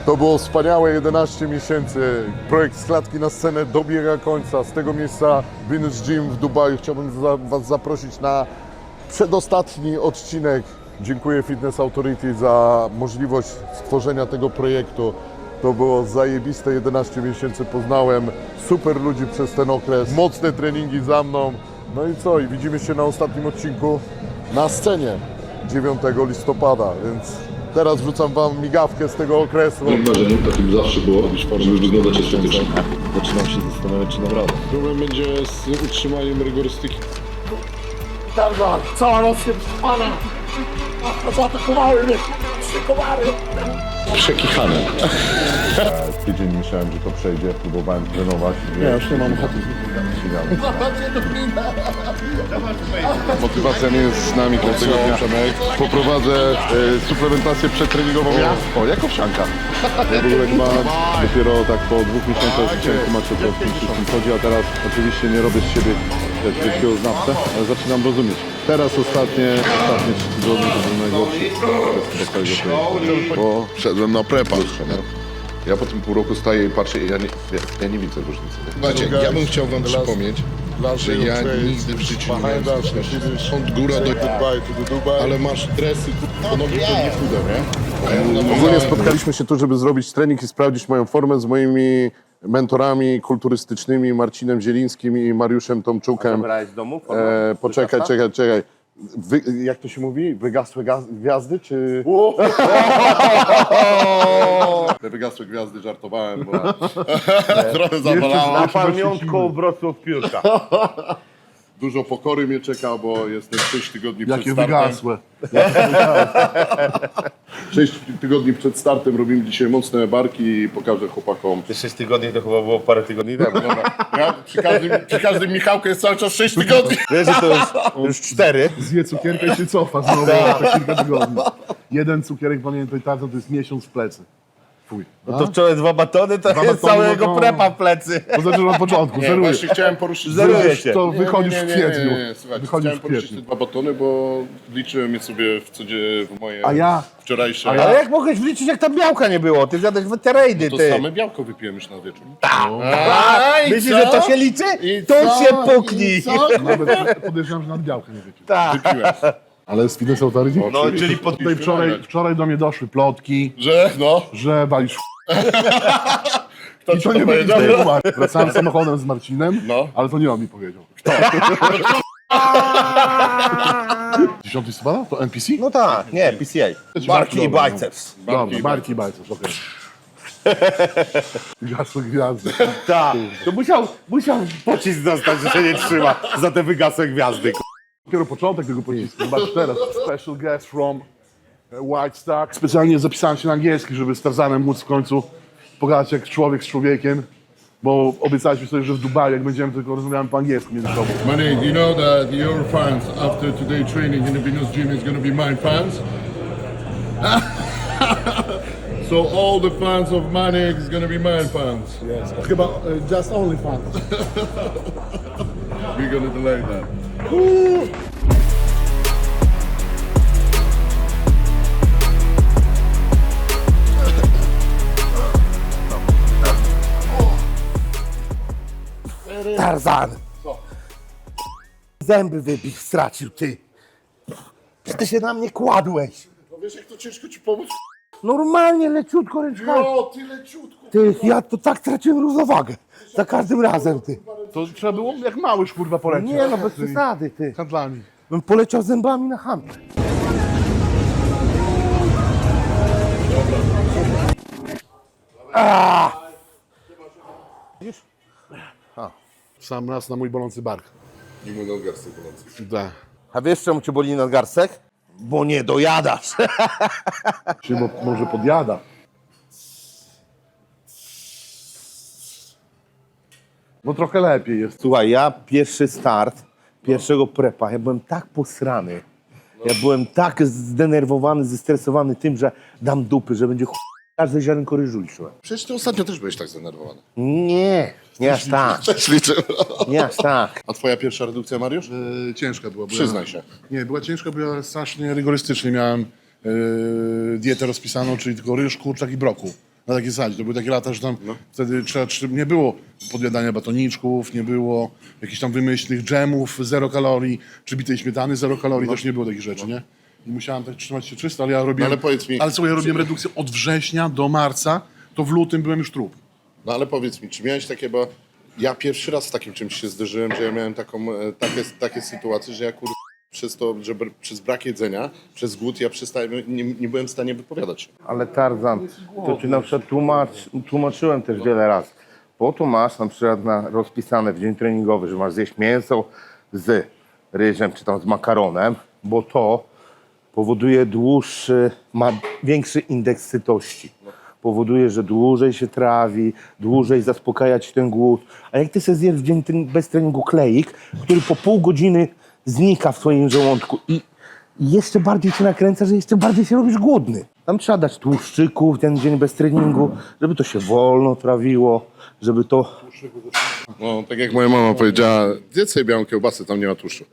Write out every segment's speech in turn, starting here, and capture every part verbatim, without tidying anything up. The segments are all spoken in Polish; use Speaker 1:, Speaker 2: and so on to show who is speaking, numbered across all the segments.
Speaker 1: To było wspaniałe jedenaście miesięcy. Projekt Z klatki na scenę dobiega końca. Z tego miejsca Venus Gym w Dubaju chciałbym za, Was zaprosić na przedostatni odcinek. Dziękuję Fitness Authority za możliwość stworzenia tego projektu. To było zajebiste jedenaście miesięcy, poznałem super ludzi przez ten okres, mocne treningi za mną. No i co? I widzimy się na ostatnim odcinku na scenie dziewiątego listopada, więc teraz wrzucam Wam migawkę z tego okresu.
Speaker 2: Moim marzeniem takim zawsze było, żeby wyglądać estetycznie.
Speaker 3: Zaczynam się zastanawiać, czy dam radę.
Speaker 2: Problem będzie z utrzymaniem rygorystyki.
Speaker 1: Tarzan, cała noc się pana, zaatakowały mnie, trzy komary.
Speaker 2: Przekichane.
Speaker 1: Tydzień myślałem, że to przejdzie, próbowałem trenować.
Speaker 2: Ja już nie mam ochoty.
Speaker 1: Motywacja nie jest z nami każdego dnia. Poprowadzę e, suplementację przedtreningową. O, jak owsianka. Ja w ogóle chyba dopiero tak po dwóch miesiącach zacząłem tłumaczyć, o co wszystkim chodzi, a teraz oczywiście nie robię z siebie wielkiego znawcę, ale zaczynam rozumieć. Teraz ostatnie, ostatnie trzy tygodnie to był najgorszy okres całego projektu, bo szedłem na prepa. Ja po tym pół roku staję i patrzę i ja nie, ja, ja nie widzę różnicy.
Speaker 2: Słuchajcie, ja bym chciał wam przypomnieć, że ja nigdy w życiu nie miałem styczności od góra do... Ale masz dresy, to nogi to nie chude, nie?
Speaker 1: Ogólnie spotkaliśmy się tu, żeby zrobić trening i sprawdzić moją formę z moimi mentorami kulturystycznymi, Marcinem Zielińskim i Mariuszem Tomczukiem.
Speaker 4: Zabrałeś z domu?
Speaker 1: E, poczekaj, czekaj, czekaj. Wy, jak to się mówi? Wygasłe gaz, gwiazdy, czy... Te wygasłe gwiazdy żartowałem, bo trochę zawalało.
Speaker 4: Na pamiątką Wrocław Piórka.
Speaker 1: Dużo pokory mnie czeka, bo jestem sześć tygodni
Speaker 3: Jakie
Speaker 1: przed startem.
Speaker 3: wygasłe.
Speaker 1: sześć tygodni przed startem robimy dzisiaj mocne barki i pokażę chłopakom.
Speaker 4: Te sześć tygodni to chyba było parę tygodni temu.
Speaker 1: Ja, przy, każdym, przy każdym Michałku jest cały czas sześć tygodni.
Speaker 4: Wiesz, że to już, już cztery.
Speaker 3: Zje cukierka i się cofa znowu na kilka tygodni. Jeden cukierek, pamiętaj, tato, to jest miesiąc w plecy. Fuj.
Speaker 4: No to wczoraj dwa batony, to
Speaker 3: Dwa
Speaker 4: jest
Speaker 3: batony,
Speaker 4: całego
Speaker 3: no to-
Speaker 4: prepa w plecy.
Speaker 3: To znaczy na początku,
Speaker 1: Nie,
Speaker 3: zeruję.
Speaker 1: właśnie chciałem poruszyć...
Speaker 4: Zeruje się.
Speaker 3: To
Speaker 1: Nie,
Speaker 3: wychodzisz
Speaker 1: nie,
Speaker 3: w
Speaker 1: nie, nie,
Speaker 3: kwietniu.
Speaker 1: nie, nie, słuchajcie,
Speaker 3: Wychodzisz
Speaker 1: chciałem
Speaker 3: w
Speaker 1: poruszyć te
Speaker 3: kwietniu.
Speaker 1: dwa batony, bo liczyłem je sobie w codzie w moje
Speaker 3: A ja-
Speaker 1: wczorajsze...
Speaker 3: a ja-
Speaker 4: Ale jak mogłeś wliczyć, jak tam białka nie było? Ty zjadłeś weterejdy,
Speaker 1: To
Speaker 4: ty.
Speaker 1: same białko wypiłem już na wieczór.
Speaker 4: A, myślisz, że to się liczy?
Speaker 1: I
Speaker 4: To
Speaker 1: co?
Speaker 4: się puknij.
Speaker 1: I co?
Speaker 3: Nawet podejrzewam, że nad białkę nie wypił.
Speaker 4: Tak.
Speaker 1: Wypiłem.
Speaker 3: Ale z Fitness Authority?
Speaker 4: No, czyli pod...
Speaker 3: Tutaj wczoraj, wczoraj do mnie doszły plotki,
Speaker 1: Że no,
Speaker 3: że walisz
Speaker 1: kto
Speaker 3: I
Speaker 1: ci
Speaker 3: to
Speaker 1: to
Speaker 3: nie będzie
Speaker 1: powiedział?
Speaker 3: tłumaczyć. Wracałem samochodem z Marcinem,
Speaker 1: No.
Speaker 3: ale to nie on mi powiedział. Kto? dziesiątego listopada? To N P C?
Speaker 4: No tak, nie, P C A. Barki i
Speaker 3: Dobra, no.
Speaker 4: biceps.
Speaker 3: Dobra, barki i biceps, okej. Gasły gwiazdy.
Speaker 4: Tak. To musiał, musiał pocisk dostać, że się nie trzyma za te wygasłe gwiazdy.
Speaker 3: Dopiero początek tego pocisku. Zobacz teraz. Special guest from White Stack. Specjalnie zapisałem się na angielski, żeby z Tarzanem móc w końcu pogadać jak człowiek z człowiekiem. Bo obiecaliśmy sobie, że w Dubaju, jak będziemy, tylko rozmawiamy po angielsku między sobą.
Speaker 1: Manny, you know that your fans after today training in the Venus Gym is going to be my fans? So all the fans of Manik is going to be my fans.
Speaker 3: Yes. Chyba uh, just only fun.
Speaker 1: We're going to delay that.
Speaker 4: Tarzan! Zęby wybił, stracił, ty. Czy ty się na mnie kładłeś?
Speaker 1: No wiesz jak to ciężko ci pomóc?
Speaker 4: Normalnie, leciutko ręczkami.
Speaker 1: O, tyle ciutko.
Speaker 4: Ty, ja to tak traciłem równowagę. Za każdym razem, ty.
Speaker 3: To trzeba było jak małyż kurwa polecieć.
Speaker 4: Nie no, bez
Speaker 3: Tymi
Speaker 4: przesady, ty.
Speaker 3: handlami.
Speaker 4: Bym poleciał zębami na handel.
Speaker 3: Sam raz na mój bolący bark.
Speaker 1: Nie mój nadgarstek bolący.
Speaker 3: Da.
Speaker 4: A wiesz czemu cię boli nadgarstek? Bo nie dojadasz.
Speaker 3: Czy mo- może podjada? No trochę lepiej jest.
Speaker 4: Słuchaj, ja pierwszy start, pierwszego prepa, ja byłem tak posrany. Ja byłem tak zdenerwowany, zestresowany tym, że dam dupy, że będzie ch... każde ziarenko ryżu liczyłem.
Speaker 1: Przecież ty ostatnio też byłeś tak zdenerwowany.
Speaker 4: Nie, nie aż tak,
Speaker 1: Też liczę.
Speaker 4: nie aż tak.
Speaker 1: A twoja pierwsza redukcja, Mariusz?
Speaker 3: E, ciężka była. Bo
Speaker 1: Przyznaj
Speaker 3: ja,
Speaker 1: się.
Speaker 3: Nie, była ciężka, bo ja strasznie rygorystycznie miałem e, dietę rozpisaną, czyli tylko ryż, kurczak i brokuł. na takiej zasadzie. To były takie lata, że tam wtedy trzeba, czy- nie było podjadania batoniczków, nie było jakichś tam wymyślnych dżemów, zero kalorii, czy bitej śmietany, zero kalorii, też nie było takich rzeczy, nie? I musiałem tak trzymać się czysto, ale ja robiłem...
Speaker 2: No ale powiedz mi-
Speaker 3: Ale słuchaj, ja robiłem redukcję od września do marca, to w lutym byłem już trup.
Speaker 2: No ale powiedz mi, czy miałeś takie, bo ja pierwszy raz z takim czymś się zderzyłem, że ja miałem taką, e, takie, takie sytuacje, że ja kur... przez to, że br- przez brak jedzenia, przez głód ja przestałem, nie, nie byłem w stanie wypowiadać się.
Speaker 4: Ale Tarzan, to ci na przykład tłumacz, tłumaczyłem też wiele razy. Po to masz na przykład na, rozpisane w dzień treningowy, że masz zjeść mięso z ryżem czy tam z makaronem, bo to powoduje dłuższy, ma większy indeks sytości. Powoduje, że dłużej się trawi, dłużej zaspokaja ci ten głód. A jak ty sobie zjesz w dzień ten- bez treningu kleik, który po pół godziny znika w twoim żołądku i i jeszcze bardziej cię nakręca, że jeszcze bardziej się robisz głodny. Tam trzeba dać tłuszczyków ten dzień bez treningu, żeby to się wolno trawiło, żeby to...
Speaker 2: No, tak jak moja mama powiedziała, zjedz sobie białą kiełbasę, tam nie ma tłuszczu.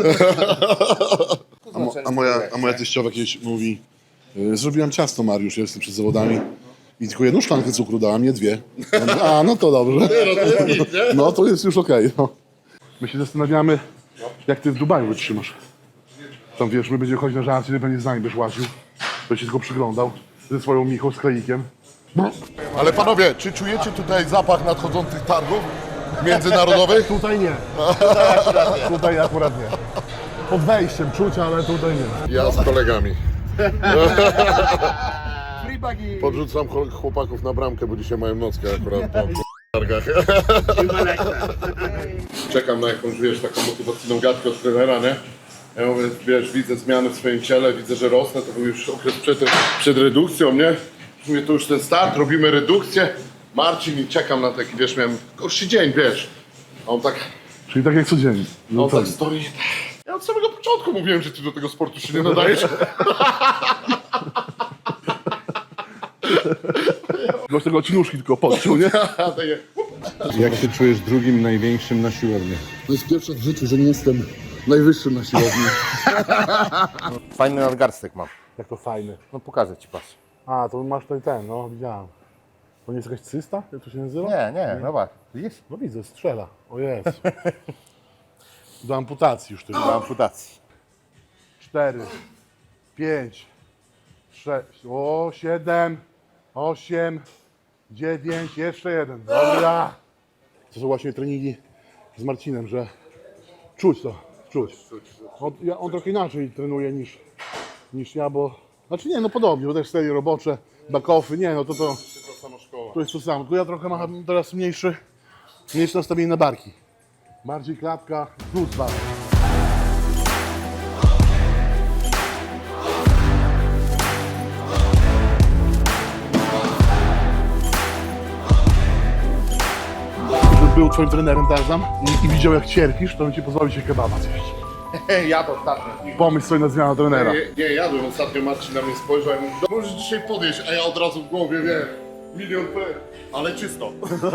Speaker 3: A, mo, a, moja, a moja teściowa kiedyś mówi, y, zrobiłam ciasto, Mariusz, ja jestem przed zawodami i tylko jedną szklankę cukru dałam, nie dwie. Ja mówię, a, no to dobrze. No to jest już okej. no. My się zastanawiamy, jak ty w Dubaju wytrzymasz. Tam wiesz, my będziemy chodzić na żarcie, ty pewnie z nami będziesz łaził. Będziesz się tylko przyglądał ze swoją Michą z kleikiem.
Speaker 1: Ale panowie, czy czujecie tutaj zapach nadchodzących targów międzynarodowych?
Speaker 3: Tutaj nie. Tutaj akurat nie. Tutaj akurat nie. Pod wejściem czuć, ale tutaj nie.
Speaker 1: Ja z kolegami. Podrzucam chol- chłopaków na bramkę, bo dzisiaj mają nockę akurat tam w targach.
Speaker 2: Czekam na jakąś, wiesz, taką motywacyjną gadkę od trenera, nie? Ja mówię, wiesz, widzę zmiany w swoim ciele, widzę, że rosnę, to był już okres przed, przed redukcją, nie? Mówię, to już ten start, robimy redukcję. Marcin i czekam na taki, wiesz, miałem gorszy dzień, wiesz. A on tak,
Speaker 3: Czyli tak jak codziennie.
Speaker 2: a
Speaker 3: No
Speaker 2: on
Speaker 3: tak.
Speaker 2: tak stoi. Ja od samego początku mówiłem, że ty do tego sportu się nie nadajesz.
Speaker 3: Gość tego cinuszki tylko poczuł, nie?
Speaker 2: A takie,
Speaker 5: Jak się czujesz drugim największym na siłowni?
Speaker 1: To jest pierwsze w życiu, że nie jestem najwyższym na siłowni.
Speaker 4: Fajny nadgarstek mam.
Speaker 3: Jak to fajny.
Speaker 4: No pokażę ci, patrz.
Speaker 3: A, to masz tutaj ten, no widziałem. To nie jest jakaś cysta? Jak to się nazywa?
Speaker 4: Nie, nie, zobacz. Widzisz?
Speaker 3: No widzę, strzela. O Jezu. Do amputacji już tylko.
Speaker 4: Do amputacji.
Speaker 3: Cztery, pięć, sześć, o, siedem, osiem, dziewięć, jeszcze jeden. Dobra. To są właśnie treningi z Marcinem, że czuć to, czuć. On, ja, on trochę inaczej trenuje niż, niż ja, bo... Znaczy nie, no podobnie, bo też serie robocze, back-offy, nie, no to to... To jest to samo, tylko ja trochę mam teraz mniejszy, mniejsze nastawienie na barki. Bardziej klatka plus barki. Gdyby był twoim trenerem Tarzan i, i widział jak cierpisz, to bym ci pozwolił się kebaba zjeść.
Speaker 2: ja to ostatnio.
Speaker 3: Pomyśl sobie na zmianę trenera.
Speaker 2: Nie, nie jadłem, ostatnio Marcin na mnie spojrzał i mówi, możesz dzisiaj podjeść, a ja od razu w głowie, wiem, milion P, ale czysto.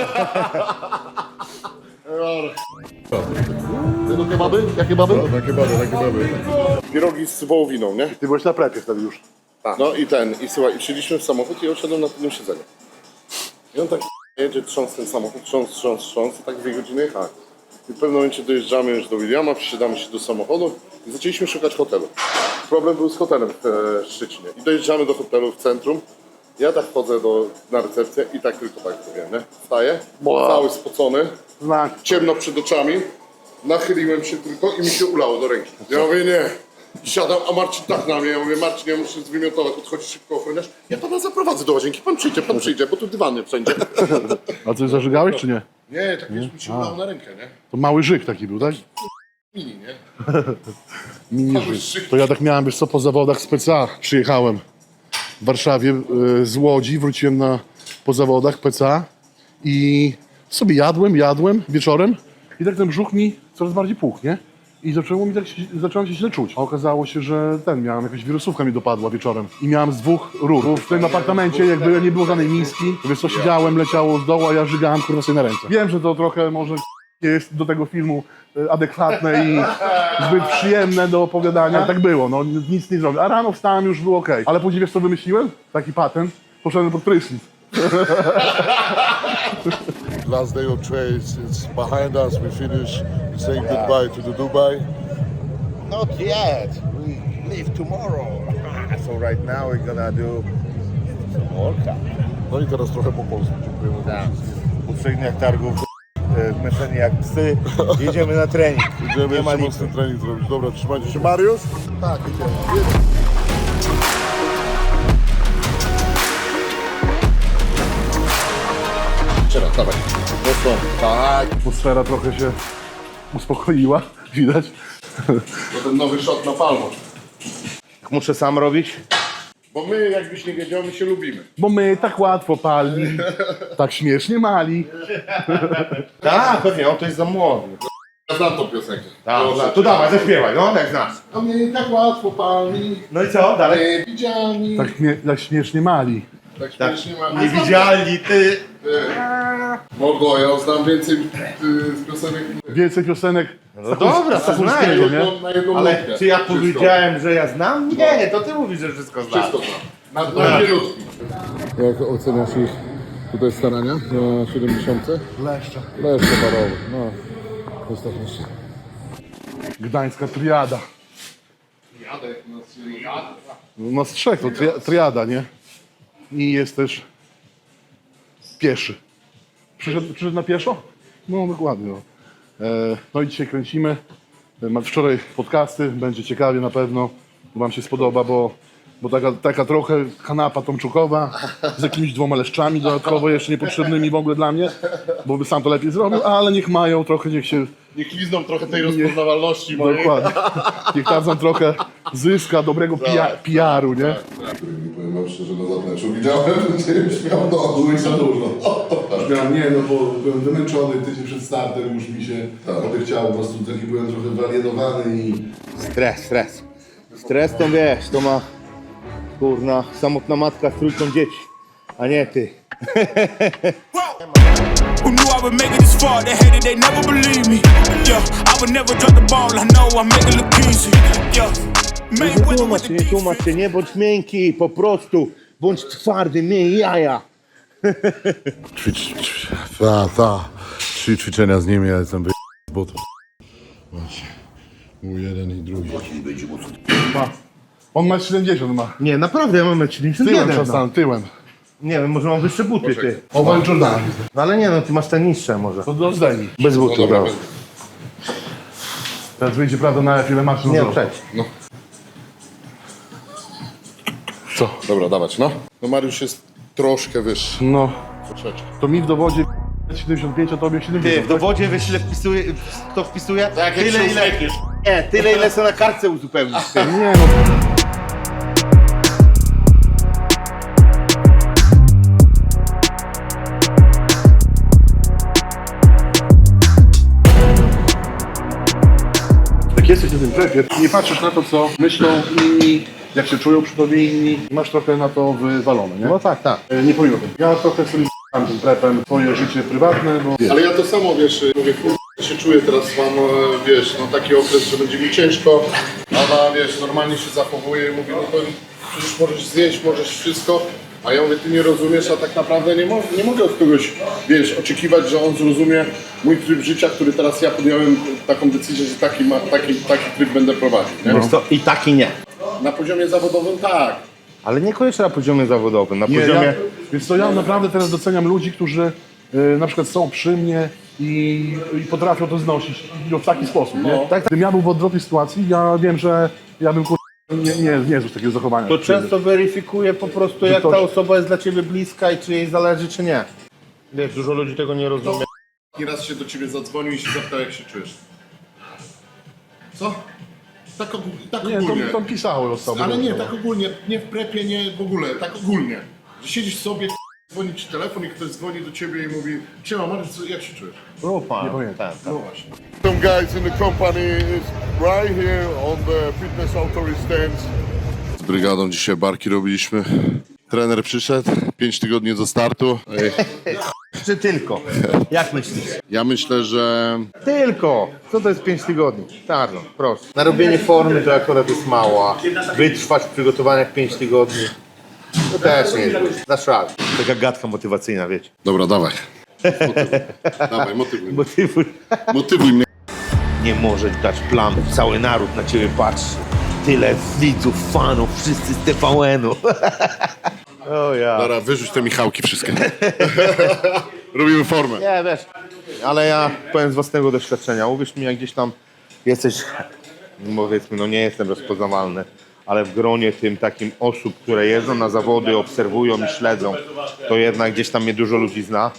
Speaker 3: No kebaby? Jakie baby?
Speaker 2: Takie baby, takie baby. Pierogi z wołowiną, nie?
Speaker 3: Ty byłeś na prepie wtedy już.
Speaker 2: No i ten, i słuchaj, i wsiedliśmy w samochód i ja usiadłem na tylnym siedzeniu. I on tak jedzie, trząs ten samochód, trząs, trząs, trząs i tak dwie godziny jechałem. I w pewnym momencie dojeżdżamy już do Williama, wsiadamy się do samochodu i zaczęliśmy szukać hotelu. Problem był z hotelem w e, Szczecinie. I dojeżdżamy do hotelu w centrum. Ja tak wchodzę do, na recepcję i tak tylko tak zrobiłem, nie? Wstaję, cały spocony,
Speaker 3: Znak.
Speaker 2: ciemno przed oczami, nachyliłem się tylko i mi się ulało do ręki. Ja mówię, nie. Siadam, a Marcin tak na mnie, ja mówię, Marcin, ja muszę zwymiotować, podchodzi szybko ochroniarz. Ja pana zaprowadzę do łazienki, pan przyjdzie, pan przyjdzie, bo tu dywany wszędzie.
Speaker 3: A coś zażygałeś czy nie?
Speaker 2: Nie, tak wiesz, mi się ulało na rękę, nie?
Speaker 3: To mały żyk taki był, tak?
Speaker 2: Mini, nie?
Speaker 3: Mini
Speaker 2: Mały
Speaker 3: żyk.
Speaker 2: żyk.
Speaker 3: To ja tak miałem, wiesz co, po zawodach z P C A przyjechałem w Warszawie y, z Łodzi, wróciłem na, po zawodach P C A i sobie jadłem, jadłem wieczorem i tak ten brzuch mi coraz bardziej puchł, nie? I zaczęło mi tak, się- zacząłem się źle czuć. A okazało się, że ten, miałem jakaś wirusówka mi dopadła wieczorem. I miałem z dwóch rur. Bo w tym apartamencie jakby nie było żadnej miski. Wiesz co, siedziałem, leciało z dołu, a ja żygałem kurwa sobie na ręce. Wiem, że to trochę może nie jest do tego filmu e, adekwatne i zbyt przyjemne do opowiadania. Tak było, no nic nie zrobię. A rano wstałem, już było okej. Ale później wiesz co wymyśliłem? Taki patent. Poszedłem pod prysznic.
Speaker 1: Last day of trades, it's behind us. We finish saying goodbye to the Dubai.
Speaker 4: Not yet. We leave tomorrow. So right now we're gonna do some workout.
Speaker 1: No i teraz trochę po polsku. Dziękujemy.
Speaker 4: Tak. Po trzech dniach targów, e, zmęczeni jak psy, jedziemy na trening.
Speaker 1: Idziemy
Speaker 4: Nie ma
Speaker 1: jeszcze
Speaker 4: nic.
Speaker 1: mocny trening zrobić. Dobra, trzymajcie się. Mariusz?
Speaker 4: Tak, idziemy.
Speaker 2: Teraz, dawaj. Mocno. Tak.
Speaker 3: Atmosfera trochę się uspokoiła, widać.
Speaker 2: To ten nowy shot na palmo.
Speaker 4: Muszę sam robić.
Speaker 2: Bo my, jakbyś nie wiedział, my się lubimy.
Speaker 3: Bo my tak łatwo pali, tak śmiesznie mali.
Speaker 4: Tak, pewnie, on to jest za młody.
Speaker 2: Ja znam tą piosenkę.
Speaker 4: Tak,
Speaker 2: Proszę
Speaker 4: tak.
Speaker 2: cię.
Speaker 4: To dawaj, zaśpiewaj, no, jak znasz.
Speaker 2: A mnie tak łatwo palni,
Speaker 4: No i co, dalej?
Speaker 2: widziani.
Speaker 3: Tak, śmie- tak śmiesznie mali.
Speaker 2: Tak śmiesznie ma.
Speaker 4: Niewidzialni, ty.
Speaker 2: Mogło, ja znam więcej y, z piosenek
Speaker 3: Więcej piosenek
Speaker 4: No dobra, to
Speaker 3: Stachurskiego,
Speaker 4: znaję.
Speaker 3: nie?
Speaker 2: na jedną
Speaker 4: Ale
Speaker 2: nutkę.
Speaker 4: czy ja
Speaker 2: Wszystko.
Speaker 4: powiedziałem, że ja znam? Nie, to ty mówisz, że wszystko znasz.
Speaker 2: Wszystko znam. Na, na dwie nutki.
Speaker 1: Jak oceniasz ich tutaj starania na siedemdziesiąt?
Speaker 3: Leszcze.
Speaker 1: Leszcze barowe. No, ostatnio się.
Speaker 3: Gdańska triada.
Speaker 2: Jadek, no, jadek.
Speaker 3: No z trzech, to tri- triada, nie? I jest też pieszy. Przyszedł, przyszedł na pieszo? No dokładnie. No, e, no i dzisiaj kręcimy. E, ma- Wczoraj podcasty, będzie ciekawie na pewno. Wam się spodoba, bo, bo taka, taka trochę kanapa tomczukowa z jakimiś dwoma leszczami dodatkowo jeszcze niepotrzebnymi w ogóle dla mnie, bo by sam to lepiej zrobił, ale niech mają trochę, niech się
Speaker 2: Niech lizną trochę tej rozpoznawalności mojej.
Speaker 3: dokładnie, niech Tarzan trochę zyska dobrego P R-u, nie?
Speaker 1: Powiem wam szczerze, na zapleczu widziałem, że już miał dogu i za dużo.
Speaker 3: Ja nie, no bo byłem wymęczony tydzień przed startem, już mi się odechciało, po prostu taki byłem trochę wyalienowany i...
Speaker 4: Stres, stres. Stres to wiesz, to ma kurna samotna matka z trójką dzieci, a nie ty.
Speaker 6: Who knew I would make it this far? They hated, they never believe me. Yeah, I would never drop the ball. I know I make it look easy. Yeah,
Speaker 4: Nie
Speaker 6: Mayweather
Speaker 4: tłumacz
Speaker 6: with
Speaker 4: się,
Speaker 6: the
Speaker 4: nie tłumacz się, nie bądź miękki, po prostu bądź twardy, miej jaja.
Speaker 1: Ćwicz, ćwicz, ta, ta. Trzy ćwiczenia z nimi, ja jestem wy... z butów. Właśnie. Mój jeden i drugi.
Speaker 3: Ma. On ma siedemdziesiąt ma.
Speaker 4: Nie, naprawdę, ja mam metr siedemdziesiąt
Speaker 3: Tyłem
Speaker 4: jeden. No.
Speaker 3: czasem, tyłem.
Speaker 4: Nie wiem, może mam wyższe buty, ty.
Speaker 3: Owen Jordan.
Speaker 4: No ale nie, no ty masz te niższe może.
Speaker 3: To do zdejmij.
Speaker 4: Bez butów,
Speaker 2: Dobra,
Speaker 4: dobra.
Speaker 3: Teraz wyjdzie prawda na ile masz
Speaker 4: Nie,
Speaker 3: no,
Speaker 4: przecież.
Speaker 2: Co? Dobra, dawać, no. No Mariusz jest troszkę wyższy.
Speaker 3: no,
Speaker 2: Troszeczkę.
Speaker 3: to mi w dowodzie siedemdziesiąt pięć, a tobie
Speaker 4: Ty,
Speaker 3: siedemdziesiąt.
Speaker 4: w dowodzie wiesz ile wpisuje, kto wpisuje?
Speaker 2: Tak, jak
Speaker 4: Tyle
Speaker 2: się
Speaker 4: ile...
Speaker 2: uśmiechniesz.
Speaker 4: Nie, tyle ile sobie na kartce uzupełnisz. Ty.
Speaker 3: Nie no. Jak jesteś na tym trepie, nie patrzysz na to, co myślą inni, jak się czują przy tobie inni, masz trochę na to wywalone, nie?
Speaker 4: No tak, tak.
Speaker 3: E, Nie powinno być. Ja trochę sobie z***am tym trepem swoje życie prywatne, bo
Speaker 2: Ale ja to samo, wiesz, mówię, kurwa, się czuję teraz, mam, e, wiesz, no taki okres, że będzie mi ciężko. Ona, wiesz, normalnie się zachowuje i mówi, no to przecież możesz zjeść, możesz wszystko. A ja mówię, ty nie rozumiesz, a tak naprawdę nie, mo nie mogę od kogoś, wiesz, oczekiwać, że on zrozumie mój tryb życia, który teraz ja podjąłem taką decyzję, że taki, ma, taki, taki tryb będę prowadził, nie?
Speaker 4: Wiesz co, i tak i nie.
Speaker 2: Na poziomie zawodowym tak.
Speaker 4: Ale niekoniecznie na poziomie zawodowym, na
Speaker 3: nie,
Speaker 4: poziomie...
Speaker 3: ja, więc to ja naprawdę teraz doceniam ludzi, którzy y, na przykład są przy mnie i, i potrafią to znosić i w taki sposób, nie? Tak, gdybym ja był w odwrotnej sytuacji, ja wiem, że ja bym kur... nie, nie, nie zniósł takiego zachowania.
Speaker 4: To często weryfikuje po prostu, jak
Speaker 3: ktoś-
Speaker 4: ta osoba jest dla ciebie bliska i czy jej zależy, czy nie. Wiesz, dużo ludzi tego nie rozumie.
Speaker 2: I raz się do ciebie zadzwonił i się zapytał, jak się czujesz. Co? Tak, og tak
Speaker 3: Nie,
Speaker 2: ogólnie.
Speaker 3: to, to pisały osoby.
Speaker 2: Ale nie, tak ogólnie, nie w prepie, nie w ogóle, tak ogólnie. Że siedzisz sobie, dzwoni ci telefon i ktoś dzwoni do ciebie i mówi: Siema, Mariusz, co- jak się czujesz?
Speaker 3: Nie pamiętam.
Speaker 2: No właśnie.
Speaker 1: Some guys in the company is right here on the fitness authority stands. Z brygadą dzisiaj barki robiliśmy. Trener przyszedł, pięć tygodni do startu. Ej,
Speaker 4: Czy tylko? Jak myślisz?
Speaker 2: ja myślę, że
Speaker 4: Tylko! Co to jest pięć tygodni? Tarno, proszę. Na robienie formy to akurat jest mało, a wytrwać w przygotowaniach pięć tygodni. To też nie jest. Dasz radę. Taka gadka motywacyjna, wiecie.
Speaker 2: Dobra, dawaj. Motywuj. Dawaj, motywuj.
Speaker 4: Motywuj.
Speaker 2: Motywuj mnie.
Speaker 4: Nie możesz dać planu. Cały naród na ciebie patrzy. Tyle widzów, fanów, wszyscy z T V N-u. O ja.
Speaker 2: Dobra, wyrzuć te Michałki wszystkie. Robimy formę.
Speaker 4: Nie, wiesz, ale ja powiem z własnego doświadczenia. Uwierz mi, jak gdzieś tam jesteś, powiedzmy, no nie jestem rozpoznawalny, ale w gronie tym takim osób, które jeżdżą na zawody, obserwują i śledzą, to jednak gdzieś tam mnie dużo ludzi zna.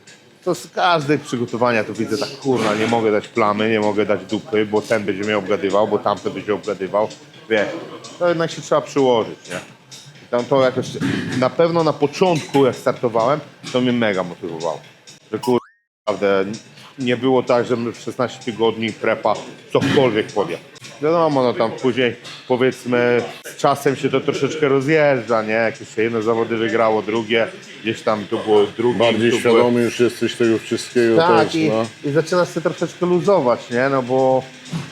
Speaker 4: To z każdych przygotowania to widzę tak, kurwa, nie mogę dać plamy, nie mogę dać dupy, bo ten będzie mnie obgadywał, bo tamten będzie obgadywał. Wiesz, to jednak się trzeba przyłożyć, nie? I tam to jakoś, na pewno na początku, jak startowałem, to mnie mega motywowało. Że kurwa, naprawdę nie było tak, że my w szesnaście tygodni prepa cokolwiek podjadł. Wiadomo, no tam później, powiedzmy, z czasem się to troszeczkę rozjeżdża, nie? Jakieś się jedno zawody wygrało, drugie, gdzieś tam tu było drugie.
Speaker 2: Bardziej
Speaker 4: tu
Speaker 2: świadomy
Speaker 4: były...
Speaker 2: już jesteś tego wszystkiego
Speaker 4: Tak,
Speaker 2: też,
Speaker 4: i,
Speaker 2: no.
Speaker 4: i zaczynasz się troszeczkę luzować, nie? No bo,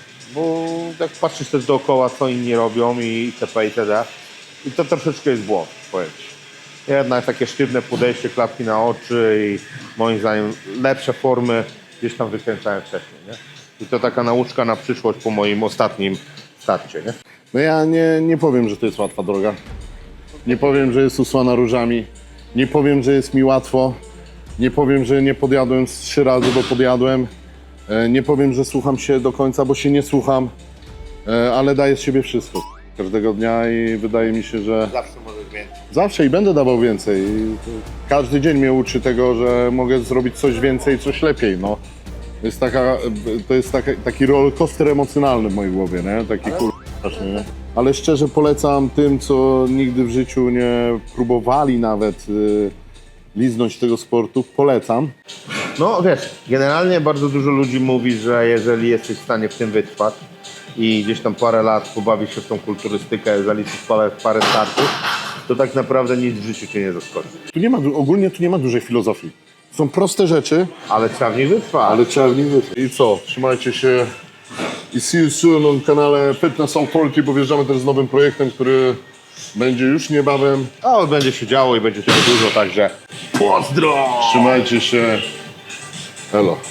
Speaker 4: bo jak patrzysz też dookoła, co inni robią i itp. itd. I to troszeczkę jest błąd, powiem ci. Jednak takie sztywne podejście, klapki na oczy i moim zdaniem lepsze formy gdzieś tam wykręcałem wcześniej, nie? I to taka nauczka na przyszłość po moim ostatnim starcie, nie?
Speaker 2: No ja nie, nie powiem, że to jest łatwa droga. Nie powiem, że jest usłana różami. Nie powiem, że jest mi łatwo. Nie powiem, że nie podjadłem z trzy razy, bo podjadłem. E, Nie powiem, że słucham się do końca, bo się nie słucham. E, Ale daję z siebie wszystko każdego dnia i wydaje mi się, że
Speaker 4: Zawsze możesz więcej.
Speaker 2: zawsze i będę dawał więcej. I to każdy dzień mnie uczy tego, że mogę zrobić coś więcej, coś lepiej. No. To jest, taka, to jest taka, taki rollercoaster emocjonalny w mojej głowie, nie? Taki kur... straszny, nie? Ale szczerze polecam tym, co nigdy w życiu nie próbowali nawet y, liznąć tego sportu, polecam.
Speaker 4: No wiesz, generalnie bardzo dużo ludzi mówi, że jeżeli jesteś w stanie w tym wytrwać i gdzieś tam parę lat pobawić się w tą kulturystykę, zaliczyć parę, parę startów, to tak naprawdę nic w życiu cię nie zaskoczy.
Speaker 2: Tu nie ma, du- ogólnie tu nie ma dużej filozofii. Są proste rzeczy,
Speaker 4: Ale trzeba w nich wytrwać.
Speaker 2: ale trzeba w nich wytrwać. I co? Trzymajcie się i see you soon na kanale Fitness Authority, bo wjeżdżamy też z nowym projektem, który będzie już niebawem.
Speaker 4: O, będzie się działo i będzie tego dużo, także pozdro!
Speaker 2: Trzymajcie się. Hello.